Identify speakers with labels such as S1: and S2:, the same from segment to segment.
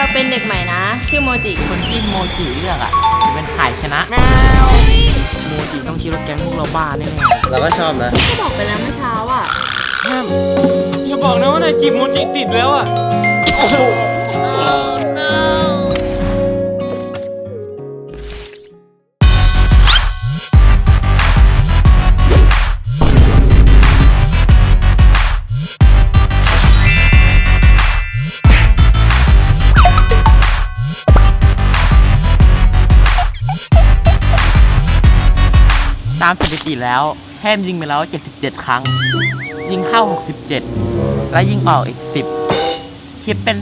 S1: เป็นเด็กใหม่นะชื่อโมจิ
S2: คนที่โมจิเลือกอ่ะจะเป็นฝ่ายชนะโมจิต้องคิดว่าแก๊งพวกเราบ้าแน่ๆเราก็ชอบนะ
S1: ก็บอกไปแล้วเมื่อเช้าอ่ะ
S3: อย่าบอกนะว่านายจีบโมจิติดแล้วอ่ะโอ้โห
S2: ตามสถิติแล้วแฮมยิงไปแล้ว77ครั้งยิงเข้า67และยิงออกอีก10คิดเป็น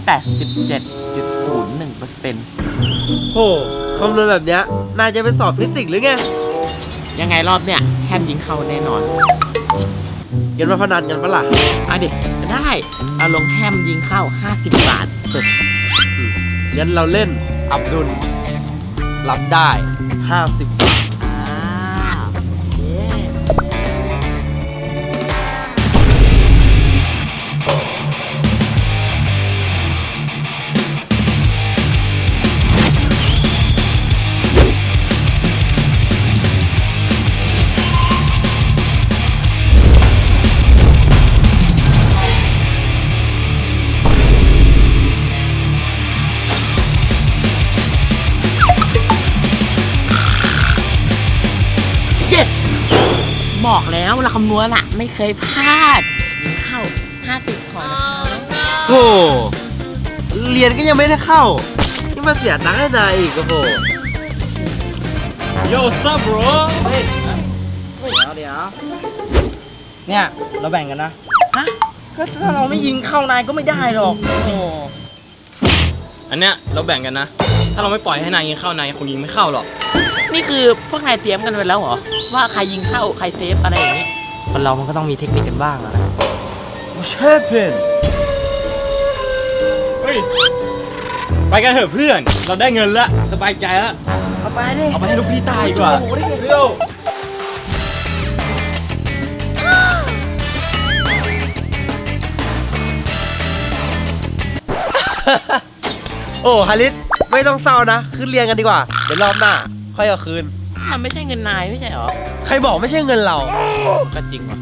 S2: 87.01%
S4: โหคำนวณแบบเนี้ยนายจะไปสอบฟิสิกส์หรือไง
S2: ยังไงรอบเนี้ยแฮมยิงเข้าแน่นอน
S4: เงินมาพนันกันปะล่ะ
S2: เอาดิได้เอาลงแฮมยิงเข้า50 บาท
S4: งั้นเราเล่นอับดุลรับได้50 บาท
S2: บอกแล้วเราคำนวณอะไม่เคยพลาดยิงเข้า50ขอนะคะ
S4: โหเรียนก็ยังไม่ได้เข้านี่มาเสียตังค์ให้นายอีกโอ้โห
S3: โย่ซับโบร
S4: เฮ้ยเดี๋ยวเนี่ยเราแบ่งกันนะ
S2: ฮะ
S4: ก็ถ้าเราไม่ยิงเข้านายก็ไม่ได้หรอกโอ้
S3: อันเนี้ยเราแบ่งกันนะถ้าเราไม่ปล่อยให้นายยิงเข้านายคงยิงไม่เข้าหรอก
S2: นี่คือพวกนายเตรียมกันไว้แล้วเหรอว่าใครยิงเข้าใครเซฟอะไรอย่างนี้คนเรามันก็ต้องมีเทคนิคกันบ้างอะ
S4: เชฟเพน
S3: เฮ้ยไปกันเถอะเพื่อนเราได้เงินแล้วสบายใจแล้ว
S4: เอาไปดิ
S3: เอาไปให้ลูกพี่ตายดีกว่าเร็ว
S4: โอ้ฮาริสไม่ต้องเศร้านะขึ้นเรียนกันดีกว่าเดี๋ยวรอบหน้าค่อยเอาคืน
S2: มันไม่ใช่เงินนายไม่ใช่หรอ
S4: ใครบอกไม่ใช่เงินเรา
S2: ก็จริงว่ะ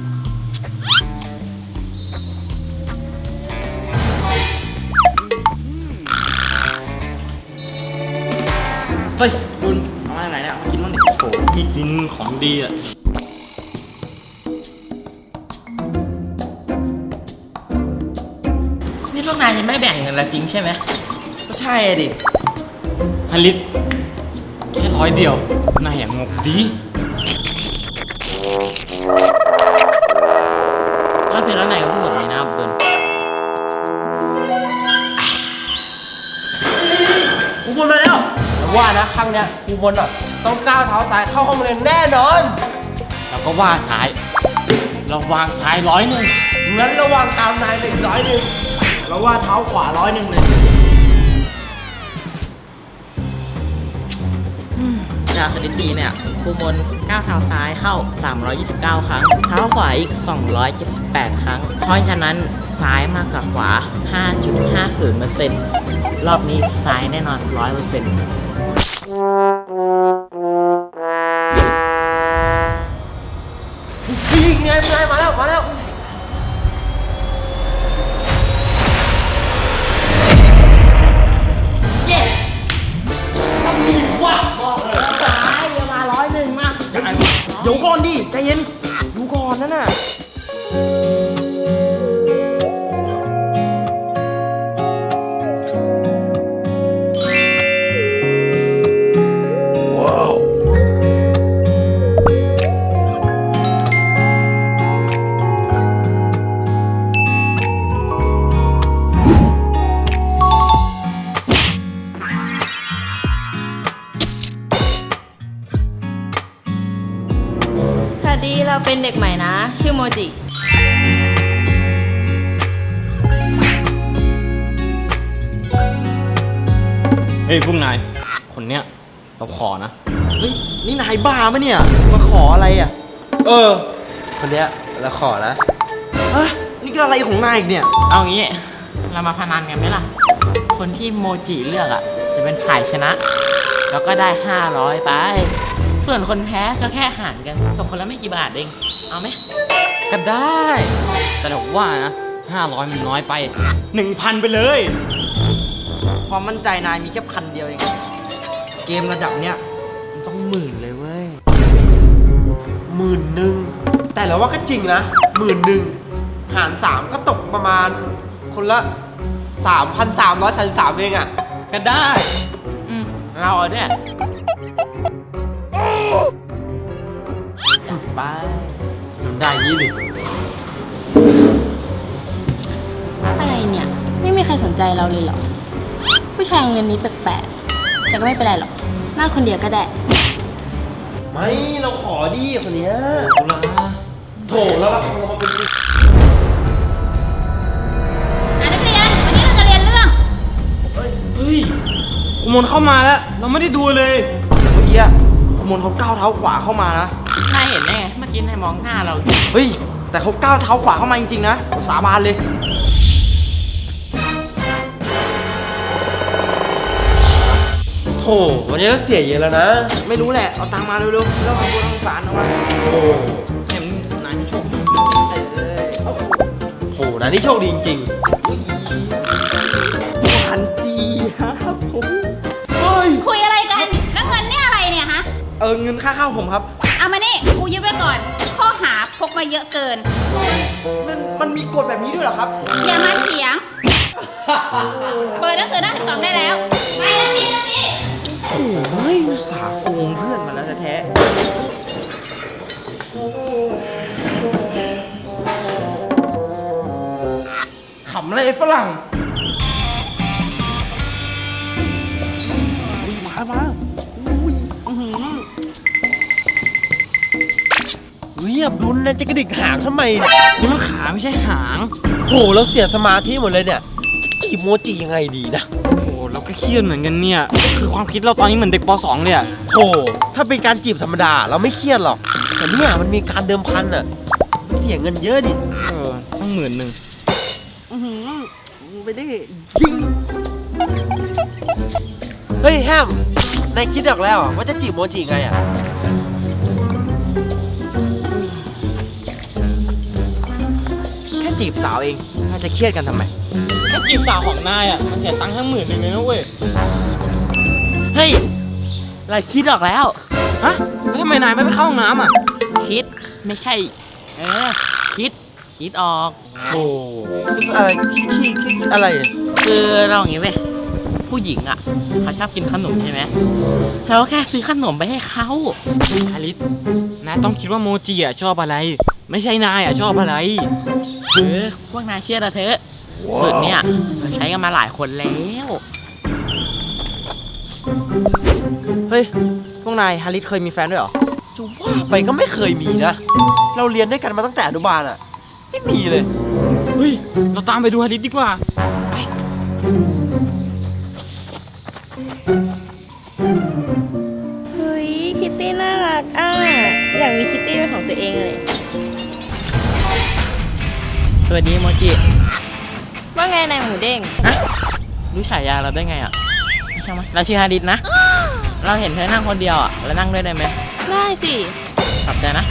S3: เฮ้ยดุลเอามาไหนเนี่ยกินบ้างดิโอ้พี่กินของดีอ่ะ
S2: นี่พวกนายจะไม่แบ่งเงินละจริงใช่ไหม
S4: ก็ใช่ดิ
S3: ฮันลิตแค่100 เดียวนายอย่างงกดี
S2: แล้วเพลแล้วนายก็พูดแบบนี้นะอับดุล
S4: กูบนมาแล้วว่านะครั้งเนี้ยกูบนอ่ะต้องก้าวเท้าซ้ายเข้าห้องเรียนแน่นอน
S2: เราก็ว่าซ้ายเราวางซ้าย100
S4: งั้นระวังตามนายเลย100เราว่าเท้าขวา100เลย
S2: จากสถิติเนี่ยครูมนก้าวเท้าซ้ายเข้า329ครั้งเท้าขวาอีก278ครั้งเพราะฉะนั้นซ้ายมากกว่าขวา 5.50% รอบนี้ซ้ายแน่นอน 100%
S4: ยิงไงมาแล้ว
S2: เย้ต้องมีว่ะบอกเลยซ้ายเดี๋ยวมา101มา
S4: เดี๋ยวก่อนดิใจเย็นดูก่อนนั่นน่ะ
S1: เราเป็นเด็กใหม่นะชื่อโมจิ
S3: เฮ้ยพวกนายคนเนี้ยเราขอนะ
S4: เฮ้ยนี่นายบ้าปะเนี่ยมาขออะไรอ่ะคนเนี้ยเราขอนะนี่ก็อะไรของนายอีกเนี่ย
S2: เอางี้เรามาพนันกันไหมล่ะคคนที่โมจิเลือกอะจะเป็นฝ่ายชนะ แล้วก็ได้ 500 ไป ส่วนคนแพ้ก็แค่หารกันตกคนละไม่กี่บาทเองเอาไหม
S3: ก็ได้ แต่ผมว่านะ500มันน้อยไป 1,000 ไปเลย
S4: ความมั่นใจนายมีแค่1,000เดียวเอง เกมระดับเนี้ยมันต้อง10,000เลยเว้ย11,000แต่เราว่าก็จริงนะ11,000หาร 3 ก็ตกประมาณคนละ 3,333 เองอะ
S3: ก็ได้
S2: เราเอาด้วย
S4: ไปมันได้ยี่ดิ
S1: อะไรเนี่ย ไม่มีใครสนใจเราเลยเหรอ ผู้ชายโรงเรียนนี้แปลกๆแต่ก็ไม่เป็นไรหรอกนั่งคนเดียวก็ได้
S4: ไม่เราขอดิคนเนี้ยโถแล้วเรามาเป็น
S5: นักเรียน วันนี้เราจะเรียนเรื่อง
S3: เฮ้ยขโมยเข้ามาแล้ว เราไม่ได้ดูเลย
S4: เมื่อกี้ขโมยเขาก้าวเท้าขวาเข้ามานะ
S2: นายเห็นได้ไงเมื่อกี้นายมองหน้าเราอยู่
S4: เฮ้ย แต่เขาก้าวเท้าขวาเข้ามาจริงๆนะผมสาบานเลยโถวันนี้เราเสียเยอะแล้วนะ ไม่รู้แหละ เอาตังค์มาเร็วๆแล้วเอาตัวทางสารเอามาโอ้
S3: แม่มึงนายมีโชคดี
S4: โหนะนี่โชคดีจริงๆพันจีครับผมเฮ้ย
S5: คุยอะไรกันแล้วเงินเนี่ยอะไรเนี่ยฮะ
S4: เงินค่าข้าวผมครับ
S5: เอามานี่ครูยึดไว้ก่อน ข้อหาพกมาเยอะเกิน
S4: มันมีกฎแบบนี้ด้วยเหรอครับ
S5: อย่ามาเถียง เปิดหนังสือหน้า12ได้แล้ว ไปนาทีนาที
S4: โอ้ยอุตส่าห์โกงเพื่อนมาแล้วแท้ๆขำอะไรไอ้ฝรั่งอุ้ยมาอุ้ยอับดุลนะจะกระดิกหางทำไมเนี่ย
S3: นี่มันขาไม่ใช่หาง
S4: โหเราเสียสมาธิหมดเลยเนี่ยจีบโมจิยังไงดีนะ
S3: โอ้เราก็เครียดเหมือนกันเนี่ย คือความคิดเราตอนนี้เหมือนเด็กป .2 เลยอะ
S4: โหถ้าเป็นการจีบธรรมดาเราไม่เครียดหรอก แต่เนี่ยมันมีการเดิมพันอ่ะมันเสียเงินเยอะดิ
S3: ตั้ง10,000
S4: ไม่ได้ยิงเฮ้ยแฮมนายคิดออกแล้วเหรอว่าจะจีบโมจิไงอ่ะแค่จีบสาวเองน่าจะเครียดกันทำไม
S3: แค่จีบสาวของนายอะมันเสียตังค์ทั้ง10,000เลยนะเว้ย
S2: เฮ้ยเราคิดออกแล้ว
S3: ฮะ แล้วทำไมนายไม่ไปเข้าห้องน้ำอะ
S2: คิดไม่ใช่ คิดออก
S4: โอ้อะไรคิดอะไรอ่ะ
S2: คือเราอย่างงี้เว้ยผู้หญิงอ่ะเขาชอบกินขนมใช่ไหมเราก็แค่ซื้อขนมไปให้เขา
S3: อาริสนายต้องคิดว่าโมจิอะชอบอะไร ไม่ใช่นายอะชอบอะไร
S2: พวกนายเชื่อเราเถอะสูตรเนี้ยเราใช้กันมาหลายคนแล้ว
S4: เฮ้ยพวกนายฮาริสเคยมีแฟนด้วยเหรอจะว่าไปก็ไม่เคยมีนะเราเรียนด้วยกันมาตั้งแต่อนุบาลอ่ะไม่มีเลย
S3: เฮ้ย เราตามไปดูอาริสดีกว่า
S1: เฮ้ยคิตตี้น่ารักอ่ะอยากมีคิตตี้เป็นของตัวเองเลย
S2: สวัสดีโมจิ
S1: ว่าไงนายหมูเด้ง
S2: รู้ฉายาเราได้ไงอ่ะไม่ใช่ไหมยเราชื่อฮาดิสนะ เราเห็นเธอนั่งคนเดียวอ่ะแล้วนั่งด้วยได้ไหม
S1: ได้สิ
S2: ขอบใจนะ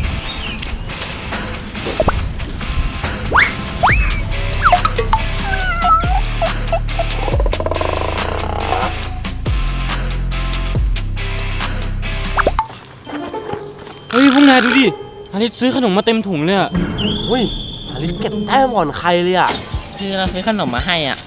S3: เฮ้ยพวกนายดูดิอาริสซื้อขนมมาเต็มถุงเลยอะ
S4: เฮ้ยฮาริสเก็บแต้มก่อนใครเลยอ่ะ
S2: คือเราซื้อขนมมาให้อ่ะ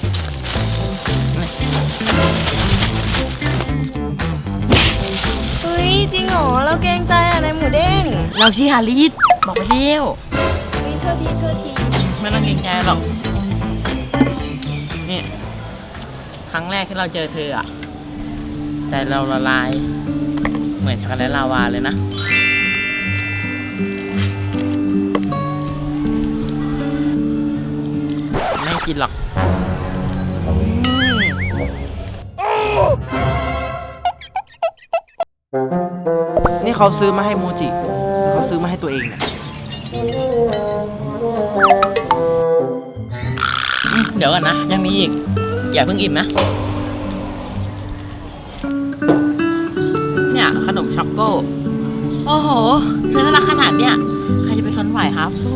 S1: เฮ้ยจริงเหรอเราเกรงใจอ่ะนายหมูเด้ง
S2: เราชื่อฮาริสบอกไปเร็ว
S1: เฮ้ยโทษที
S2: ไม่ต้องเกรงใจหรอก นี่ ครั้งแรกที่เราเจอเธออ่ะใจเราละลาย เหมือนช็อกโกแลตลาวาเลยนะ ไม่กินหรอก
S4: นี่เขาซื้อมาให้โมจิเขาซื้อมาให้ตัวเองเนี่ย
S2: เดี๋ยวก่อนนะ ยังมีอีกอย่าเพิ่งอิ่มนะ เนี่ยขนมช็อกโก้ โอ้โหเธอน่ารักขนาดเนี้ยใครจะไปทนไหวฮะฟู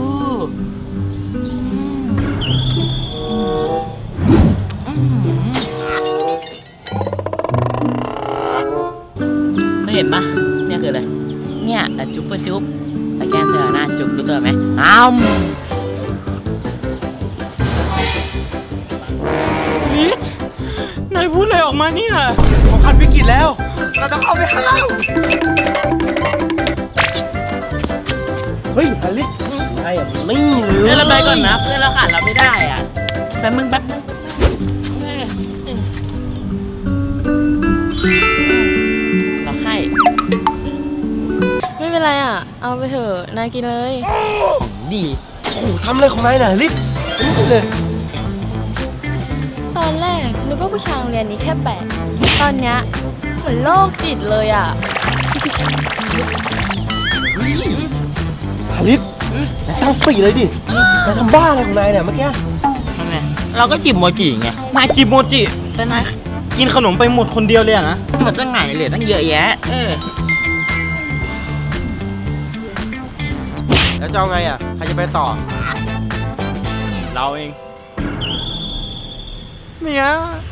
S2: เธอเห็นปะเนี่ยคืออะไร เนี่ยจุ๊บปะจุ๊บไปแกล้งเธอหน้าจุ๊บดูเธอไหม
S3: ลิศนายพูดอะไรออกมาเนี่ย
S4: เขาคันวิกฤตแล้ว เราต้องเข้าไปห้ามเฮ้ยฮาริสนายอ่ะไม่เลย
S2: เพื่อนเราไปก่อนนะเพื่อนเราขาดเราไม่ได้อ่ะแป๊บนึงเราให้
S1: ไม่เป็นไรอ่ะ เอาไปเถอะ นายกินเลย
S2: ดี
S4: โอ้โหทำอะไรของนายน่ะฮาริสนี่เลย
S1: ตอนแรกนึกว่าผู้ชายโรงเรียนนี้แค่แปลกตอนเนี้ยเหมือนโรคจิตเลยอ่ะ
S4: ฮาริสนายตั้งสติเลยดินายทำบ้าอะไรของนายเนี่ยเมื่อกี้
S2: ทำไมเราก็จิบโมจิไง
S3: นายจิบโมจิ
S2: แต่นาย
S3: กินขนมไปหมดคนเดียวเลยอะนะ
S2: หมดตั้งไหนเหลือตั้งเยอะแยะ
S4: แล้วจะเอาไงอ่ะใครจะไปต่อ
S3: เราเอง เนี่ย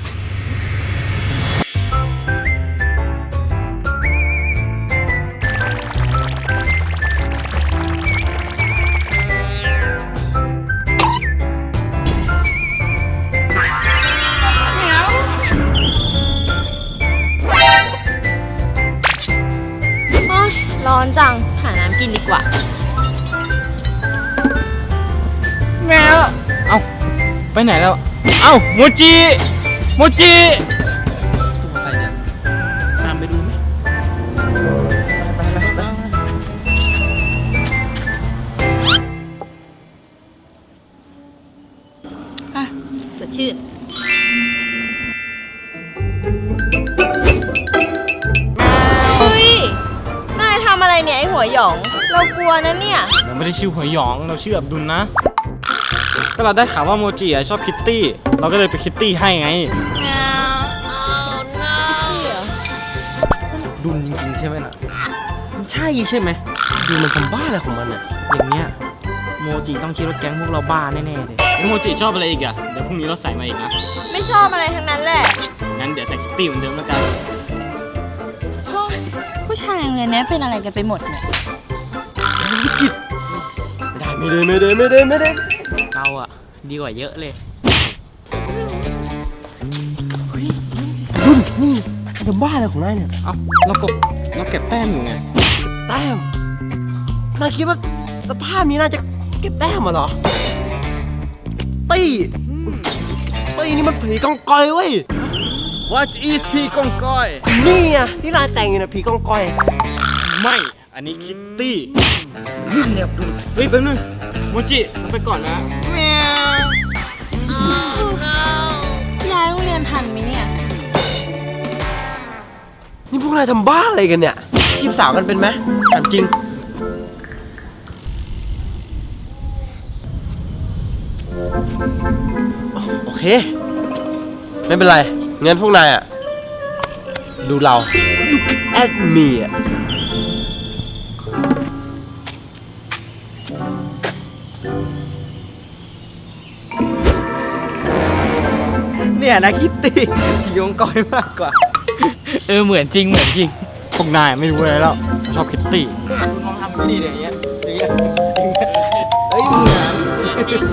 S1: โอ๊ยร้อนจัง หาน้ำกินดีกว่า
S3: แมวเอ้า ไปไหนแล้ว เอ้า โมจิ โมจิ
S4: ตัวอะไรเนี่ย
S2: ตามไปดูไหม
S4: ไป
S1: สดชื่นเฮ้ย นายทำอะไรเนี่ยไอหัวหยอง เรากลัวนะเนี่ย
S3: เราไม่ได้ชื่อหัวหยอง เราชื่ออับดุลนะ ก็เราได้ข่าวว่าโมจิอะชอบคิตตี้ เราก็เลยไปคิตตี้ให้ไง
S4: ดุนจริงๆใช่ไหมน่ะมันใช่ใช่ไหมดูมันทำบ้าอะไรของมันอ่ะอย่างเงี้ยโมจิต้องคิดว่าแก๊งพวกเราบ้าแน่ๆเลย
S3: แล้วโมจิชอบอะไรอีกอะเดี๋ยวพรุ่งนี้เราใส่มาอีกนะ
S1: ไม่ชอบอะไรทั้งนั้นแหละ
S3: งั้นเดี๋ยวใส่คิตตี้เหมือนเดิมแล้วกัน
S1: โอ๊ยผู้ชายโรงเรียนนี้เป็นอะไรกันไปหมดเนี่ย
S4: ไม่ได้
S2: เราอะดีกว่าเยอะเลย
S4: ดุนนี่ทำบ้าอะไรของนายเนี่ย
S3: เอ้า เราเก็บแต้มอยู่ไง
S4: แต้มนายคิดว่าสภาพนี้น่าจะเก็บแต้มมาเหรอตี้นี่มันผีกองกอยเว้ย
S3: What is พี่กองก้อย
S4: นี่อ่ะที่นายแต่งอยู่นะผีกองกอย
S3: ไม่ อันนี้คิตตี้ยิ่งเรียบดุลเฮ้ยแป๊บนึงโมจิเราไปก่อนนะแมว
S1: ย้ายโรงเรียนทันไหมเนี่ย
S4: นี่พวกนายทำบ้าอะไรกันเนี่ยจีบสาวกันเป็นไหมถามจริงโอเค ไม่เป็นไรงั้นพวกนายอ่ะ ดูเรา Look at me อ่ะ
S3: เนี่ยนะคิตตี้พี่กองก้อยมากกว่า
S2: เหมือนจริง
S3: พวกนายไม่รู้อะไรแล้วชอบคิตตี้
S2: คุณลองทำดีเดี๋ยวนี้
S3: เฮ้ย
S2: เหมือนจริง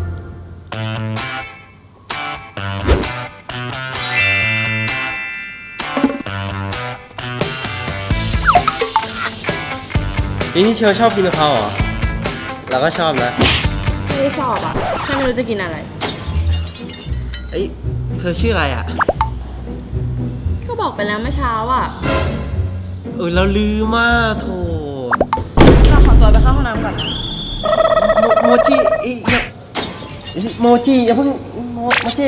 S4: นี่เชียวชอบกินกะเพราเหรอ เราก็ชอบนะ
S1: ไม่ได้ชอบอ่ะแค่ไม่รู้จะกินอะไร
S4: เอ้ยเธอชื่ออะไรอ่ะ
S1: ก็บอกไปแล้วเมื่อเช้าอ่ะ
S4: เราลืมมากโถ
S1: เราขอตัวไปเข้าห้องน้ำก่อนนะ
S4: โมจิโมจิอย่าเพิ่งโมจิ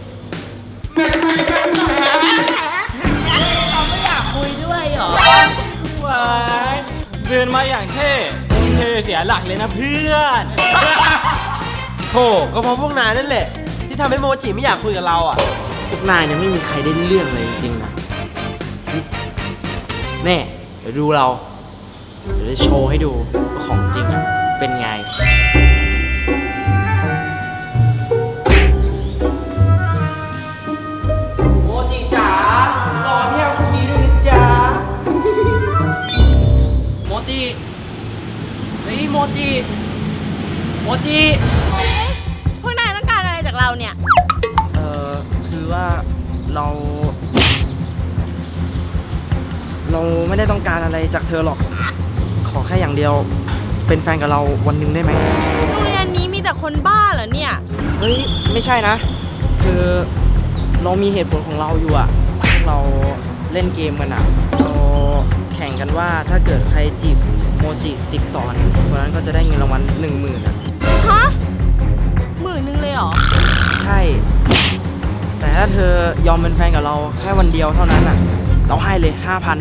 S2: คุยด้วยเหรอ
S3: ว้ายเดินมาอย่างเท่เสียหลักเลยนะเพื่อน
S4: โถก็เพราะพวกนายนั่นแหละ ที่ทำให้โมจิไม่อยากคุยกับเราอ่ะ
S3: พวกนายเนี่ยไม่มีใครได้เรื่องเลยจริงๆนะแน่เดี๋ยวดูเรา เดี๋ยวจะโชว์ให้ดูว่าของจริงเป็นไง โมจิจ๋ารอพี่แอมคนนี้ด้วยนะจ๊ะ โมจิเฮ้ยโมจิ โมจิ
S1: พวกนายต้องการอะไรจากเราเนี่ย
S3: คือว่าเราไม่ได้ต้องการอะไรจากเธอหรอก ขอแค่อย่างเดียว เป็นแฟนกับเราวันหนึ่งได้ไหม
S1: โรงเรียนนี้มีแต่คนบ้าเหรอเนี่ย
S3: เฮ้ย ไม่ใช่นะ คือเรามีเหตุผลของเราอยู่อะเราเล่นเกมกันอะเราแข่งกันว่าถ้าเกิดใครจีบโมจิติดต่อเนี่ยคนนั้นก็จะได้เงินรางวัล10,000อะ
S1: ฮะ10,000เลยเหรอ
S3: ใช่ แต่ถ้าเธอยอมเป็นแฟนกับเราแค่วันเดียวเท่านั้นอะเราให้เลย 5,000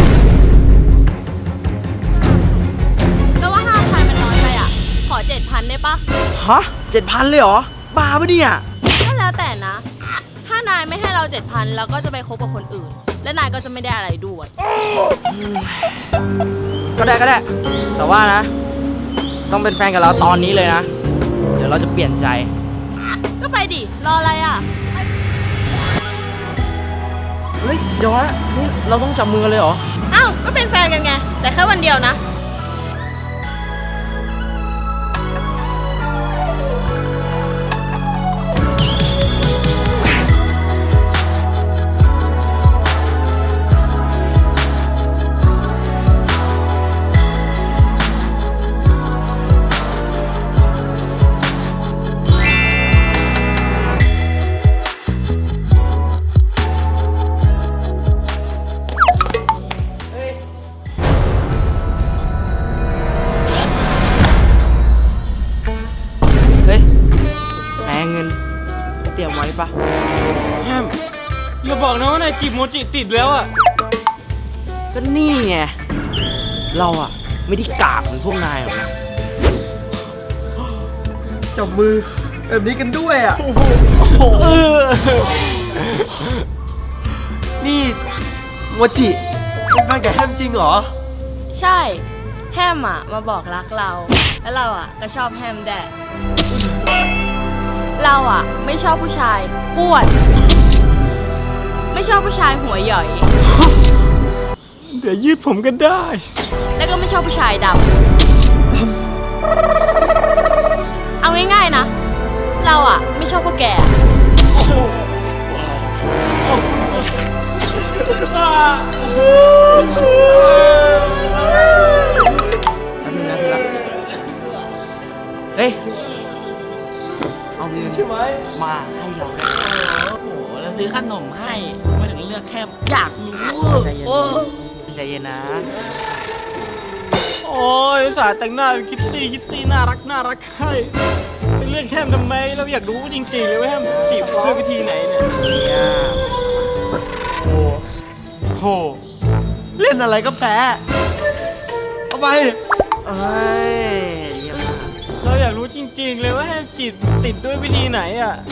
S1: แล้วว่า5,000มันน้อยไปอ่ะ ขอ7,000ได้ปะ
S3: ฮะ 7,000 เลยเหรอ บ้าปะเนี่ย
S1: ก็แล้วแต่นะ ถ้านายไม่ให้เรา7,000เราก็จะไปคบกับคนอื่น และนายก็จะไม่ได้อะไรด้วย
S3: ก็ได้ แต่ว่านะ ต้องเป็นแฟนกับเราตอนนี้เลยนะ เดี๋ยวเราจะเปลี่ยนใจ
S1: ก็ไปดิ รออะไรอ่ะ
S3: เฮ้ยเดี๋ยวนะนี่เราต้องจับมือกันเลยเหรอ
S1: อ้าว ก็เป็นแฟนกันไง แต่แค่วันเดียวนะ
S3: เฮ้ยแหมเงินเตรียมไว้ปะ
S4: แฮมอย่าบอกนะว่านายจีบโมจิติดแล้วอ่ะ
S3: ก็นี่ไง เราอะไม่ได้กากเหมือนพวกนายหรอกนะ
S4: จับมือแบบนี้กันด้วยอ่ะ นี่โมจิเป็นแฟนกับแฮมจริงเหรอ
S1: ใช่ แฮมอ่ะ มาบอกรักเรา แล้วเราอ่ะ ก็ชอบแฮมแดดเราอ่ะ ไม่ชอบผู้ชายอ้วน ไม่ชอบผู้ชายหัวหย่อย
S4: เดี๋ยวยืดผมกันได้
S1: แล้วก็ไม่ชอบผู้ชายดำ เอาง่ายๆนะ เราอ่ะ ไม่ชอบพวกแก
S3: แป๊บนึงนะที่รักเฮ้ย เอาเงิน
S4: ใช่ไหม
S3: มาให้เราได้
S2: โอ้โห แล้วซื้อขนมให้ไม่ถึงเลือกแค่อยากรู้
S3: ใจเย็น
S2: โอ้
S3: ใจเย็นนะ
S4: โอ้ยสาแต่งหน้าเป็นคิตตี้น่ารักให้ไปเลือกแฮมทำไมเราอยากรู้จริงๆเลยว่าแฮมจีบด้วยวิธีไหนเนี่ย
S3: เนี่ย
S4: โหเล่นอะไรก็แพ้เอาไป
S3: เอ้ยเยี่ยมมาก
S4: เราอยากรู้จริงๆเลยว่าแฮมจีบติดด้วยวิธีไหนอ่ะ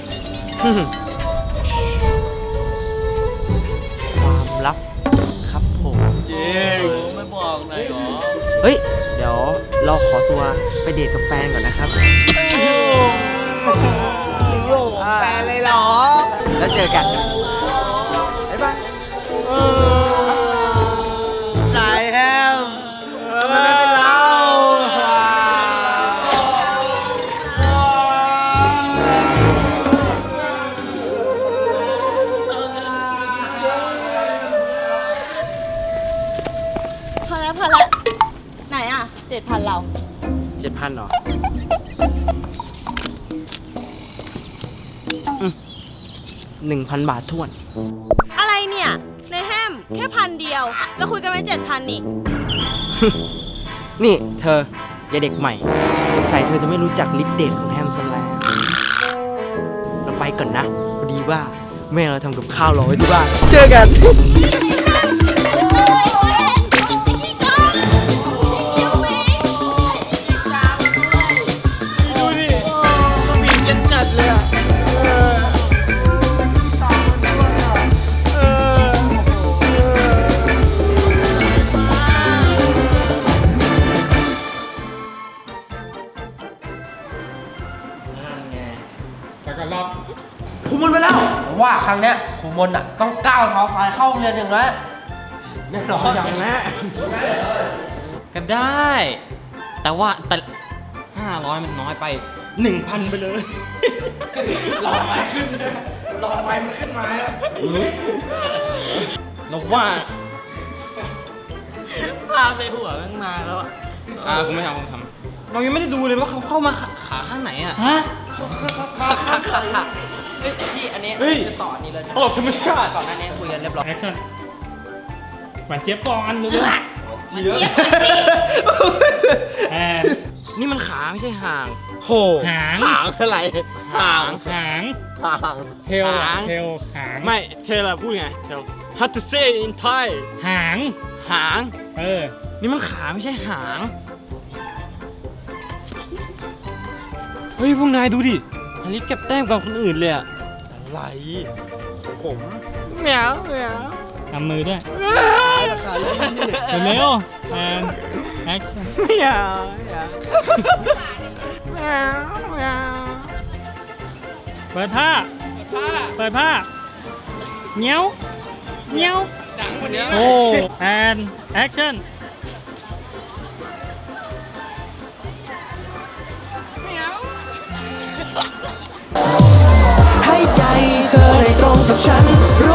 S3: ความลับครับผม
S4: จริง
S2: ไม่บอกหน่อยเหรอ
S3: เฮ้ย เดี๋ยวเราขอตัวไปเดทกับแฟนก่อนนะครับ
S4: แฟนเลยเหรอ
S3: แล้วเจอกัน บ๊ายบาย
S4: ใจแฮมทำไมไม่เป็นเรา
S1: พอแล้ว ไหนอ่ะ7,000เรา
S3: 7,000เหรอ 1,000 บาทท้วน
S1: อะไรเนี่ย ในแฮมแค่1,000 เดียว แล้วคุยกันไว้7,000นี่
S3: นี่เธอ อย่าเด็กใหม่ ใส่เธอจะไม่รู้จักฤทธิ์เดชของแฮมซะแล้ว เราไปก่อนนะ พอดีว่าแม่เราทำกับข้าวรอไว้ที่บ้าน เจอกัน
S4: ดูดิสวีทจัดเลยอ่ะรั้งเนี้ยครูมนอะต้องก้าวเท้าซ้ายเข้าโรงเรียนอย่างน้อยแน่นอนอย่างนั้น
S3: ก็ได้ แต่500มันน้อยไป 1,000 ไปเลย
S4: หลอดไฟขึ้นเลยหลอดไฟมันขึ้นมาแล้ว
S3: เราว่า
S2: พาไปหัวตั้งนานแล้วอะ
S3: กูไม่ทำเรายังไม่ได้ดูเลยว่าเขาเข้ามาขาข้างไหนอ่ะ
S2: ฮะ
S3: พี่อันนี้
S4: เฮ้ย
S3: จะต่ออันนี้เลยใช่ไหม
S4: ตลกธรรมชาติ
S3: ก่อนหน้านี้คุยกันเรียบร้อย
S6: แอคชั่นหวานเจี๊ยบก่อนเร็ว
S5: มาเจี๊ยบเลยสิ
S6: ๆแอน
S3: นี่มันขาไม่ใช่ห่าง
S4: โห
S6: หาง
S4: หางอะไรหาง
S6: หาง
S4: หาง
S6: เทลเทลหาง
S4: ไม่เธอละพูดไงเธอ How to say in Thai
S6: หาง
S3: หาง
S6: เออ
S3: นี่มันขาไม่ใช่หาง เฮ้ยพวกนายดูดิอันนี้เก็บแต้มกับคนอื่นเลยอะ
S4: อะไรผม
S3: เหมียวเหมียว
S6: ทำมือด้วย
S4: ราคาดีนี่
S6: เร็วๆแอนแอคชั่น
S3: เหมียวเหมียวเหมียวเหมียว
S6: เปิดผ้า เปิดผ้าเงี้ยวเงี้ยวโอ้แอนแอคชั่น
S7: ให้ใจเธอได้ตรงกับฉันรู้